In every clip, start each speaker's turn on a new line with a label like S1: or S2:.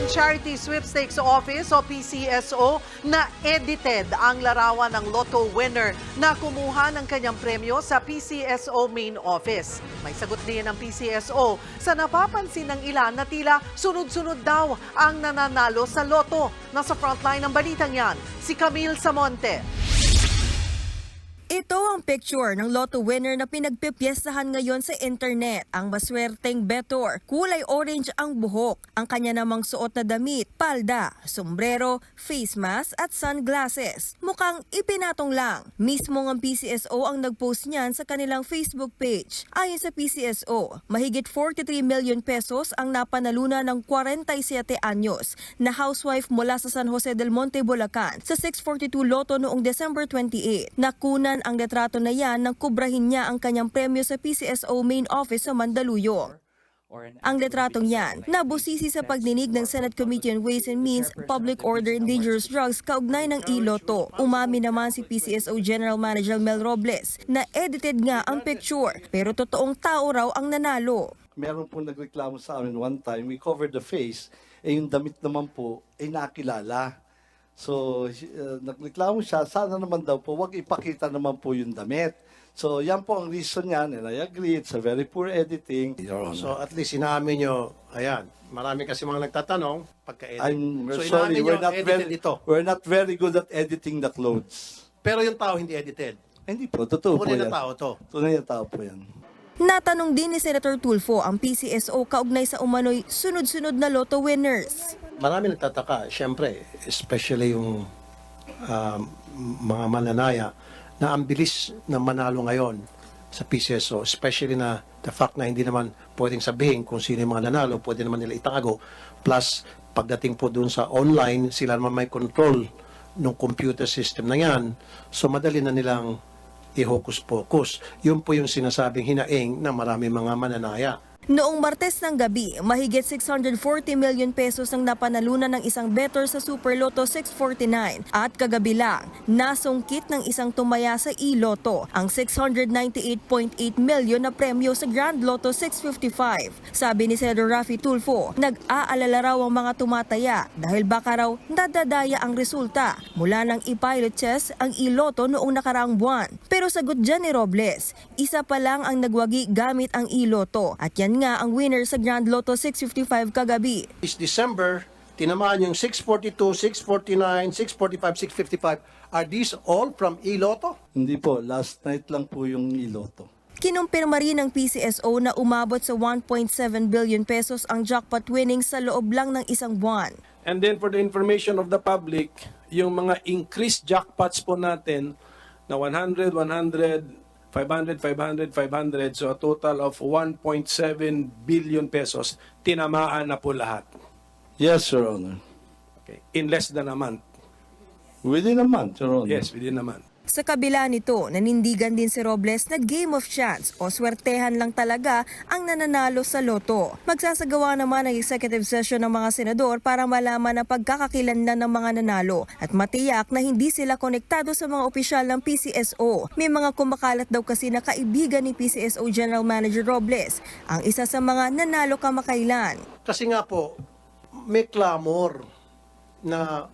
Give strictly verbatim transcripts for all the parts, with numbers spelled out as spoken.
S1: ng Charity Sweepstakes Office o P C S O na edited ang larawan ng lotto winner na kumuha ng kanyang premyo sa P C S O main office. May sagot din ng P C S O sa napapansin ng ilan na tila sunod-sunod daw ang nananalo sa lotto. Nasa frontline ng balitang yan, si Camille Samonte.
S2: Ito ang picture ng lotto winner na pinagpipiestahan ngayon sa internet. Ang maswerteng betor, kulay orange ang buhok. Ang kanya namang suot na damit, palda, sombrero, face mask at sunglasses. Mukhang ipinatong lang. Mismo ang P C S O ang nagpost niyan sa kanilang Facebook page. Ayon sa P C S O, mahigit forty-three million pesos ang napanalunan ng forty-seven anyos na housewife mula sa San Jose del Monte, Bulacan sa six forty-two Lotto noong December twenty-eighth. Nakunan ang litrato na yan nang kubrahin niya ang kanyang premyo sa P C S O main office sa Mandaluyong. Ang litratong yan, nabusisi sa pagdinig ng Senate Committee on Ways and Means, Public Order and Dangerous Drugs kaugnay ng iLotto. Umami naman si P C S O General Manager Mel Robles na edited nga ang picture pero totoong tao raw ang nanalo.
S3: Meron po nagreklamo sa amin one time, we covered the face, eh yung damit naman po ay nakilala. So, uh, nagreklamo siya, sana naman daw po, wag ipakita naman po yung damit. So, yan po ang reason niyan, and I agree, it's a very poor editing. Your Honor.
S4: So at least inamin nyo, ayan, marami kasi mga nagtatanong pagka-edit.
S3: I'm
S4: So
S3: sorry,
S4: inamin
S3: we're
S4: nyo,
S3: not,
S4: edited
S3: very,
S4: ito.
S3: we're not very good at editing the clothes.
S4: Pero yung tao hindi edited.
S3: Hindi po, totoo po
S4: Tunay
S3: yan.
S4: na tao to.
S3: Tunay na tao po yan.
S2: Natanong din ni Senator Tulfo ang P C S O kaugnay sa umano'y sunod-sunod na lotto winners.
S4: Marami nagtataka, syempre, especially yung um, mga mananaya na ang bilis na manalo ngayon sa P C S O, especially na the fact na hindi naman pwedeng sabihin kung sino yung mga nanalo, pwede naman nila itago. Plus, pagdating po dun sa online, sila naman may control ng computer system na yan. So, madali na nilang i-hocus-pocus. Yun po yung sinasabing hinaing na marami mga mananaya.
S2: Noong Martes ng gabi, mahigit six hundred forty million pesos ang napanalunan ng isang bettor sa Super Lotto six forty-nine at kagabi lang, nasungkit ng isang tumaya sa iLotto ang six hundred ninety-eight point eight million na premyo sa Grand Lotto six fifty-five. Sabi ni Senator Raffy Tulfo, nag-aalala raw ang mga tumataya dahil baka raw nadadaya ang resulta mula nang i-pilot test ang iLotto noong nakaraang buwan. Pero sagot dyan ni Robles, isa pa lang ang nagwagi gamit ang iLotto at yan nga ang winner sa Grand Lotto six fifty-five kagabi.
S4: This December, tinamaan yung six forty-two, six forty-nine, six forty-five, six fifty-five. Are these all from iLotto?
S3: Hindi po, last night lang po yung iLotto.
S2: Kinumpirma rin ng P C S O na umabot sa one point seven billion pesos ang jackpot winnings sa loob lang ng isang buwan.
S5: And then for the information of the public, yung mga increased jackpots po natin na one hundred, one hundred, five hundred, five hundred, five hundred, so a total of one point seven billion pesos, tinamaan na po lahat.
S3: Yes, Your Honor.
S5: Okay. In less than a month.
S3: Within a month, Your Honor.
S5: Yes, within a month.
S2: Sa kabila nito, nanindigan din si Robles na game of chance o swertehan lang talaga ang nananalo sa loto. Magsasagawa naman ng executive session ng mga senador para malaman ang pagkakakilanlan ng mga nanalo at matiyak na hindi sila konektado sa mga opisyal ng P C S O. May mga kumakalat daw kasi na kaibigan ni P C S O General Manager Robles, ang isa sa mga nanalo kamakailan.
S4: Kasi nga po, may clamor na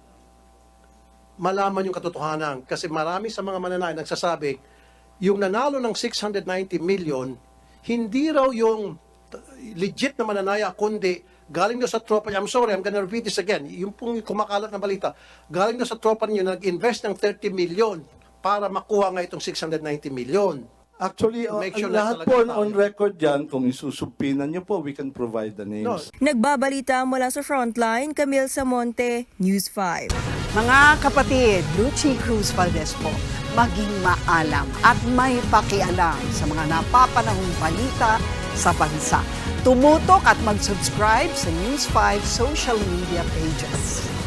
S4: malaman yung katotohanan. Kasi marami sa mga mananay nagsasabi, yung nanalo ng six hundred ninety million, hindi raw yung legit na mananaya, kundi galing daw sa tropa niya. I'm sorry, I'm gonna repeat this again. Yung pong kumakalat na balita, galing daw sa tropa niyo na nag-invest ng thirty million para makuha nga itong six hundred ninety million.
S3: Actually, uh,
S4: Make sure
S3: lahat
S4: na
S3: po
S4: talaga
S3: on
S4: tao.
S3: record yan, kung isusumpinan niyo po, we can provide the names.
S4: No.
S2: Nagbabalita mula sa Frontline, Camille Samonte, News five.
S1: Mga kapatid, Lucy Cruz Valdez po, maging maalam at may pakialam sa mga napapanahong balita sa bansa. Tumutok at mag-subscribe sa News five social media pages.